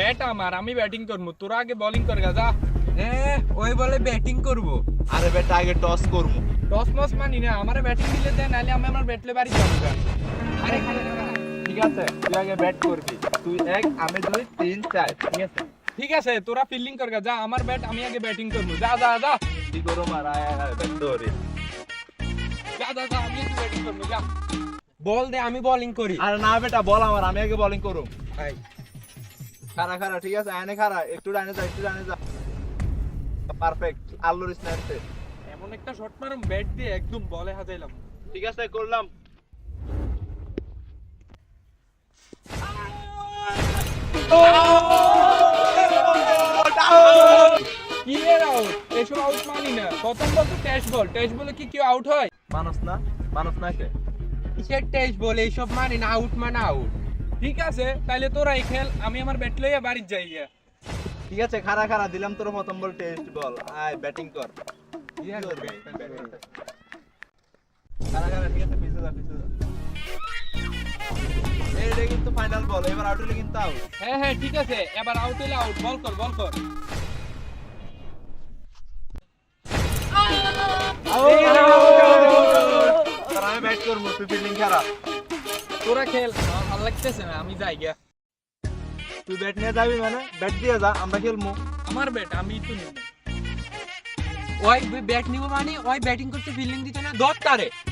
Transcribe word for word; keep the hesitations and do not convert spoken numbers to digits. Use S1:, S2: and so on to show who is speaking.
S1: Bat আমার, আমি batting করবো, তোরা আগে বোলিং কর যা।
S2: হ্যাঁ ওই বলে ব্যাটিং করব।
S3: আরে বেটা আগে টস করবো।
S1: টস মস মানি না, আমারে ব্যাটিং দিলে দেন, নাহলে আমি আমার ব্যাটলে বাড়ি যাবো গা। আরে খালে খালে।
S3: ঠিক আছে তুই আগে ব্যাট করবি, তুই এক আমি দুই তিন চার, ঠিক আছে?
S1: ঠিক আছে, তোরা ফিল্ডিং কর গা, যা আমার ব্যাট, আমি আগে ব্যাটিং করবো, যা যা যা
S3: কি করো মার, আয় আয় আয় ব্যাট ধরে।
S1: যা যা যা, আমি আগে ব্যাটিং করবো, যা।
S2: বল দে আমি বোলিং করি।
S3: আরে না বেটা বল আমার, আমি আগে বোলিং করব।
S2: ভাই
S3: খারা খারা ঠিক আছে, আয়নে খারা, একটু ডানে যা, একটু ডানে যা। পারফেক্ট, আল্লুর স্ন্যাপে।
S1: এমন একটা শট মারুম ব্যাট দিয়ে একদম বলে হাজাইলাম।
S3: ঠিক আছে করলাম।
S1: কি এর আউট? এসব আউট মানি না, প্রথম বল তো টেস্ট বল, টেস্ট বলে কি কেউ আউট হয়?
S3: মানুষ না, মানুষ না কে?
S2: কিসের টেস্ট বল, এইসব মানে না, আউট মানে আউট।
S1: ঠিক আছে, তাইলে তোরা এই খেল, আমি আমার ব্যাট লইয়া বাড়ি যাই গিয়া।
S3: ঠিক আছে খারা খারা দিলাম তোর প্রথম বল টেস্ট বল, আয় ব্যাটিং কর। খারা খারা ঠিক আছে, পিছে যা পিছে যা। এইটা কিন্তু ফাইনাল বল, এবার আউট হলে কিন্তু আউট।
S1: হ্যাঁ হ্যাঁ ঠিক আছে, এবার আউট হইলে আউট, বল কর বল কর।
S3: তোর আমি ব্যাট করবো, তুই ফিল্ডিং খারাপ।
S1: তোরা খেল, আমার ভালো লাগতেছে না, আমি যাই গিয়া।
S3: তুই ব্যাট নিয়ে যাবি মানে ব্যাট দিয়ে যা, আমরা খেলবো।
S1: আমার ব্যাট আমি তো নিব।
S2: ওই ব্যাট নিব মানে ওই ব্যাটিং করতে ফিল্ডিং দিতে না, দর তারে।